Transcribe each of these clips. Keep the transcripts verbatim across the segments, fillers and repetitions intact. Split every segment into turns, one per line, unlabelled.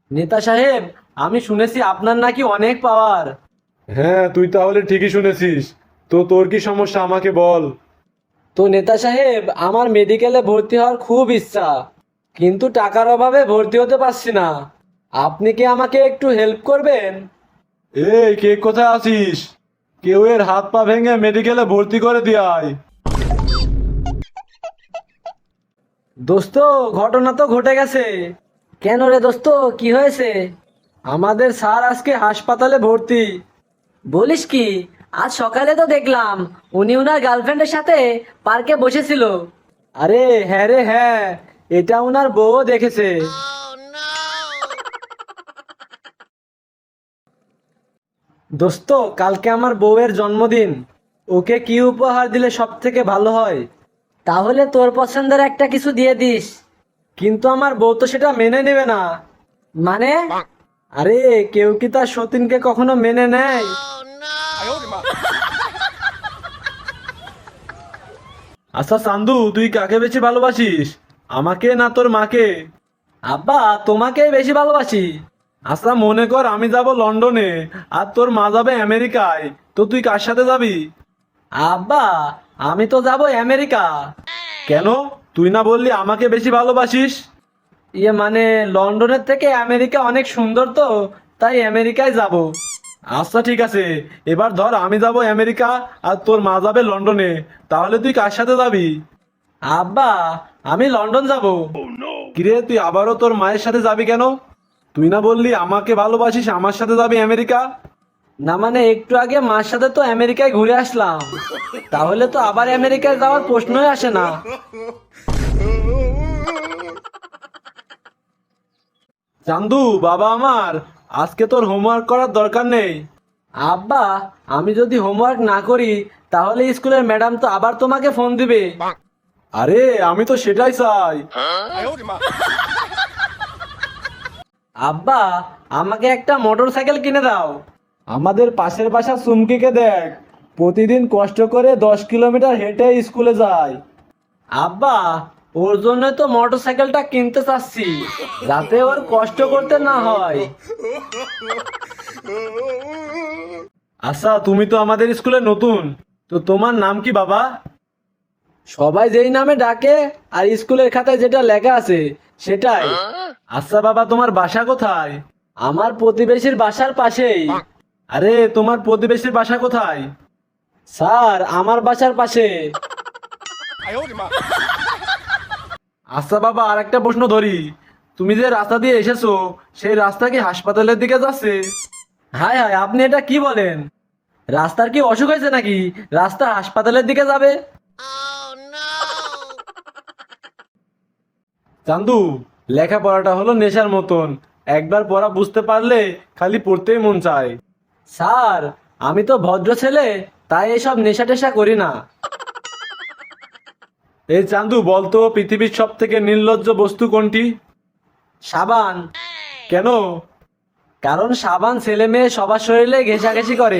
নেতা সাহেব, আমি শুনেছি আপনার নাকি অনেক পাওয়ার।
হ্যাঁ, তুই তাহলে ঠিকই শুনেছিস। তো তোর কি সমস্যা আমাকে বল।
তো নেতা সাহেব, আমার মেডিকেলে ভর্তি হওয়ার খুব ইচ্ছা, কিন্তু টাকার অভাবে ভর্তি হতে পারছি না। আপনি কি আমাকে একটু হেল্প করবেন?
এই, কে কোথায় আছিস? কেউ এর হাত পা ভেঙে মেডিকেলে ভর্তি করে দিয়ে আয়।
দোস্ত, ঘটনা তো ঘটে গেছে। কেন রে দোস্ত, কি হয়েছে? আমাদের স্যার আজকে হাসপাতালে ভর্তি। বলিস কি? আজ সকালে তো দেখলাম উনি উনার গার্লফ্রেন্ডের সাথে পার্কে বসেছিল। আরে হ্যাঁ রে হ্যাঁ, এটা উনার বউ দেখেছে। দোস্ত, কালকে আমার বউয়ের জন্মদিন। ওকে কি উপহার দিলে সব থেকে ভালো হয়? তাহলে তোর পছন্দের একটা কিছু দিয়ে দিস। কিন্তু আমার বউ তো সেটা মেনে নেবে না। মানে? আরে, কেউ কি তার সতীনকে কখনো মেনে নেয়?
আচ্ছা চান্দু, তুই কাকে বেশি ভালোবাসিস, আমাকে না তোর মাকে?
আব্বা, তোমাকেই বেশি ভালোবাসি।
আচ্ছা মনে কর আমি যাব লন্ডনে, আর তোর মা যাবে আমেরিকায়, তো তুই কার সাথে যাবি?
আব্বা, আমি তো যাব আমেরিকা।
কেন? তুই না বললি আমাকে বেশি ভালোবাসিস?
ইয়ে মানে, লন্ডনের থেকে আমেরিকা অনেক সুন্দর, তো তাই আমেরিকায় যাব।
আচ্ছা ঠিক আছে, এবার ধর আমি যাব আমেরিকা আর তোর মা যাবে লন্ডনে, তাহলে তুই কার সাথে যাবি?
আব্বা, আমি লন্ডন যাব।
কিরে, তুই আবারও তোর মায়ের সাথে যাবি কেন? তুই না বললি আমাকে ভালোবাসিস, আমার সাথে যাবি আমেরিকা?
না মানে, একটু আগে মার সাথে তো আমেরিকায় ঘুরে আসলাম, তাহলে তো আবার আমেরিকায় যাওয়ার প্রশ্নই আসে না।
চান্দু বাবা আমার, আজকে তোর হোমওয়ার্ক করার দরকার নেই।
আব্বা, আমি যদি হোমওয়ার্ক না করি তাহলে স্কুলের ম্যাডাম তো আবার তোমাকে ফোন দিবে।
আরে আমি তো সেটাই চাই।
আব্বা, আমাকে একটা মোটর সাইকেল কিনে দাও।
আমাদের পাশের বাসা চুমকিকে দেখ, প্রতিদিন কষ্ট করে দশ কিলোমিটার হেঁটে স্কুলে যায়।
আব্বা, ওর জন্য তো মোটর সাইকেলটা কিনতে চাচ্ছি, যাতে ওর কষ্ট করতে না হয়।
আচ্ছা, তুমি তো আমাদের স্কুলে নতুন, তো তোমার নাম কি বাবা?
সবাই যেই নামে ডাকে আর স্কুলের খাতায় যেটা লেখা আছে সেটাই।
আচ্ছা বাবা, তোমার বাসা কোথায়?
আমার প্রতিবেশীর বাসার পাশেই।
আরে তোমার প্রতিবেশীর বাসা কোথায়?
স্যার, আমার বাসার পাশে।
আচ্ছা বাবা, আর একটা প্রশ্ন ধরি, তুমি যে রাস্তা দিয়ে এসেছো সেই রাস্তা কি হাসপাতালের দিকে যাচ্ছে?
হায় হায়, আপনি এটা কি বলেন? রাস্তার কি অসুখ হয়েছে নাকি রাস্তা হাসপাতালের দিকে যাবে?
চান্দু, লেখাপড়াটা হলো নেশার মতন, একবার পড়া বুঝতে পারলে খালি পড়তেই মন চায়।
স্যার, আমি তো ভদ্র ছেলে, তাই এসব নেশা টেশা করি না।
এই চান্দু, বলতো পৃথিবীর সব থেকে নির্লজ্জ বস্তু কোনটি?
সাবান।
কেন?
কারণ সাবান ছেলে মেয়ে সবার শরীরে ঘেঁষাঘেঁষি করে।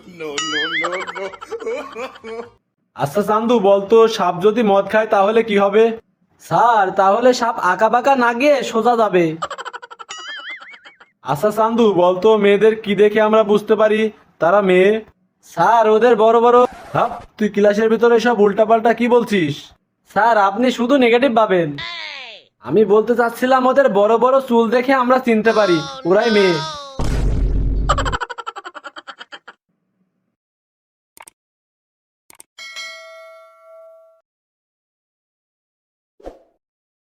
আচ্ছা চান্দু, বলতো সাপ যদি মদ খায় তাহলে কি হবে?
স্যার, তাহলে সাপ আঁকা বাঁকা না গিয়ে সোজা যাবে।
আচ্ছা চান্দু, বলতো মেয়েদের কি দেখে আমরা বুঝতে পারি তারা মেয়ে?
স্যার, ওদের বড় বড়।
হাপ, তুই ক্লাসের ভিতরে সব উল্টাপাল্টা কি বলছিস?
স্যার, আপনি শুধু নেগেটিভ ভাবেন। আমি বলতে চাচ্ছিলাম ওদের বড় বড় চুল দেখে আমরা চিনতে পারি ওরাই মেয়ে।